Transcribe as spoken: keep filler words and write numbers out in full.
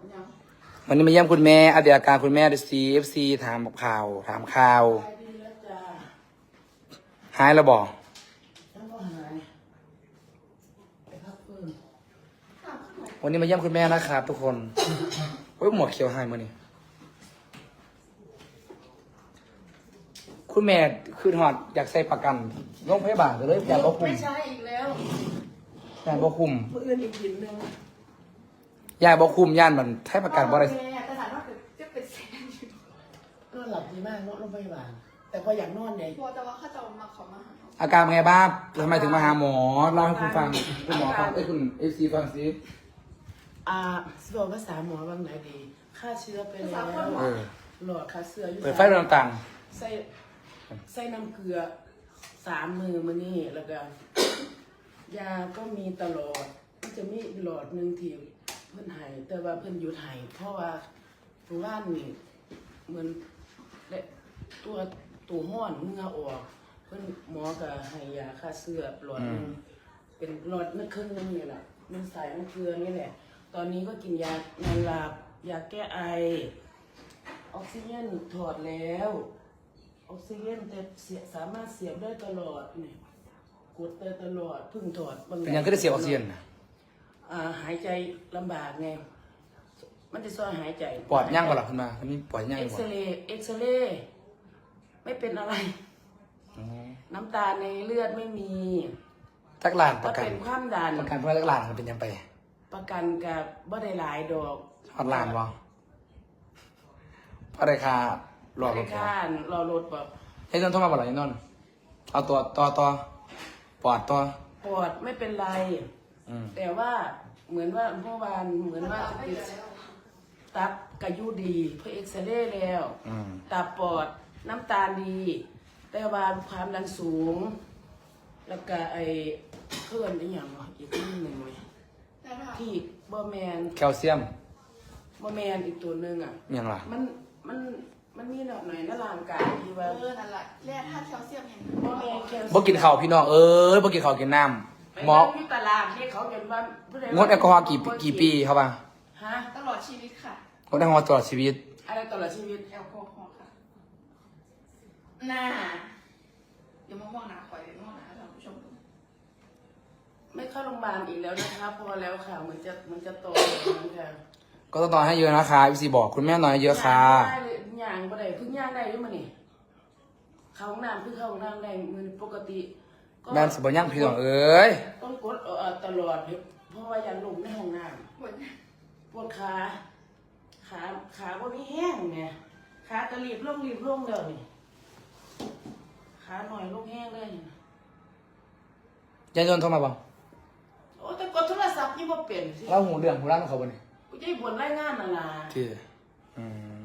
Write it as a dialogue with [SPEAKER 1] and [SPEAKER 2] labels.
[SPEAKER 1] วันนี้มาเยี่ยมคุณแม่อัปเดตอาการคุณแม่ดูซีเอฟซีถามข่าวถามข่าวหายแล้วบอกวันนี้มาเยี่ยมคุณแม่นะครับทุกคนโอ้ยหมวกเขียวหายมานี่คุณแม่คือหอดอยากใส่ประกันโรงพยาบาลเลยอยากบ่คุมไม่ใช่อีกแล้วอยากบ่คุมเพื่อนอีกทีนึงอยากบ่คุมย่านมันใช้ประกันบ่ได้
[SPEAKER 2] แต่ถามว่าจะเป็นแสนอยู่
[SPEAKER 3] นอนหลับดีมากนอนโรงพยาบาลแต่พออยากนอนเนี่ย
[SPEAKER 2] พอแต่ว่าเขาจะมาขอมาหา
[SPEAKER 1] อาการเป็นไงบ้างทำไมถึงมาหาหมอเล่าให้คุณฟังคุณหมอฟังไอ้คุณเอฟซีฟังสิ
[SPEAKER 3] อ่าสบอกภาษาหมอบางไหนดีฆ่าเชื้อไปแล้วหลอดฆ่าเชื้ออยู่
[SPEAKER 1] เปิดไฟเรื่องต่าง
[SPEAKER 3] ใส่ใส่น้ำเกลือสามมือมานี่แล้วก็ยาก็มีตลอดมันจะมีหลอดหนึ่งที่เพิ่นหายแต่ว่าเพิ่นหยุดหายเพราะว่าตัวว่านนี่เหมือนตัวตัวห้อนเมื่อออกเพิ่นหมอก็ให้ยาฆ่าเชื้อหลอดนึงเป็นหลอดนึกครึ่งนึงนี่แหละมันใส่น้ำเกลือนี่แหละตอนนี้ก็กินยานอนหลับยาแก้ไอออกซิเจนถอดแล้วออกซิเจนแต่เสียสามารถเสียบได้ตลอดนี่กดได้ตลอดพึ่งถอดบาง
[SPEAKER 1] เป็นยังก็ได้เสียออกซิเจนนะ
[SPEAKER 3] อ่าหายใจลำบากไงมันจะซอยหายใจ
[SPEAKER 1] ปอดย่างกว่าหรอคุณมาอันนี้ปอดย่างกว่า
[SPEAKER 3] เอ็กซเรย์เอ็กซเรย์ไม่เป็นอะไรน้ำตาในเลือดไม่มี
[SPEAKER 1] จักรลานประกัน
[SPEAKER 3] เป็นความดัน
[SPEAKER 1] ประกันเพื่อจักรลานมันเป็นยังไป
[SPEAKER 3] ประกันกับบ่ได้หลายดอก
[SPEAKER 1] ฮอดลานวะอะไรค่ะรอรถ
[SPEAKER 3] ค่ารอรถแบบ
[SPEAKER 1] ไอ้นนท์โทรมาบอกหรอไอ้นนท์เอาตัวต่อต่อปอดต่อ
[SPEAKER 3] ปอดไม่เป็นไรแต่ว่าเหมือนว่าเมื่อวานเหมือนว่าติดตับกระยุดีเพื่อเอ็กซเรย์แล้วตับปอดน้ำตาลดีแต่ว่าความดันสูงแล้วก็ไอ้เพื่อนไอ้อย่างอีกนิดหนึ่งเลยที่บอแมน
[SPEAKER 1] แคลเซียม
[SPEAKER 3] บอแมนอีกตัวหนึ่งอ่ะ
[SPEAKER 1] ยังล่ะ
[SPEAKER 3] มันมันมันมีหน่อยหน่อยในร่างกายที่ว่า
[SPEAKER 2] เออนั่นแหละแร่ธาตุแคลเซียมอย่าง
[SPEAKER 3] บอแมนแคลเซียม
[SPEAKER 1] บ่กินข้าวพี่น้องเอ้ยบ่กินข้าวกินน้ำหมอ
[SPEAKER 3] ที่ตลาดที่เขาเห็นว่าง
[SPEAKER 1] ดแอลกอฮอล์กี่กี่ปีครับป่ะ
[SPEAKER 2] ฮะตลอดชีวิตค่ะ
[SPEAKER 1] งดแอลกอฮอล์ตลอดชีวิต
[SPEAKER 3] อะไรตลอดชีวิต
[SPEAKER 2] แอลกอฮอล์ค่ะหน้าเดี๋ยวมามองหน้าคอยเดี๋ยวมองหน้าท่านผู้ชม
[SPEAKER 3] ไม่เข้าโรงพยาบาลอีกแล้วนะคะพอแล้วค่ะมันจะมันจะโตแล้วค่ะ
[SPEAKER 1] ก็ต้องต่อให้เยอะนะคะพี่ซีบอกคุณแม่น้อยเยอะค่ะ
[SPEAKER 3] ย่างบ่ได้พึ่งย่างได้ด้วยมั้ยนี่เข้าห้องน้ำพึ่งเข้าห้องน้ำได้มือปกติ
[SPEAKER 1] แม่สบยังพี่น้องเอ้ย
[SPEAKER 3] ต้องกดตลอดเพราะว่ายันลมในห้องน้ำปวดขาขาขาพวกนี้แห้งไงขากระลีบลงรีบลงเดี๋ยวนี่ขาหน่อยลงแห้งเลย
[SPEAKER 1] ยันยนโทรมาบ้าง
[SPEAKER 3] โอ้แต่กดโทรศัพท์นี่บ่เปลี่ยนสิ
[SPEAKER 1] เล่าหูเรื่องหูร่างของเขาบ่เนี่ย
[SPEAKER 3] กูจะให้ผลรายงานน่ะล่ะ
[SPEAKER 1] ที่อืม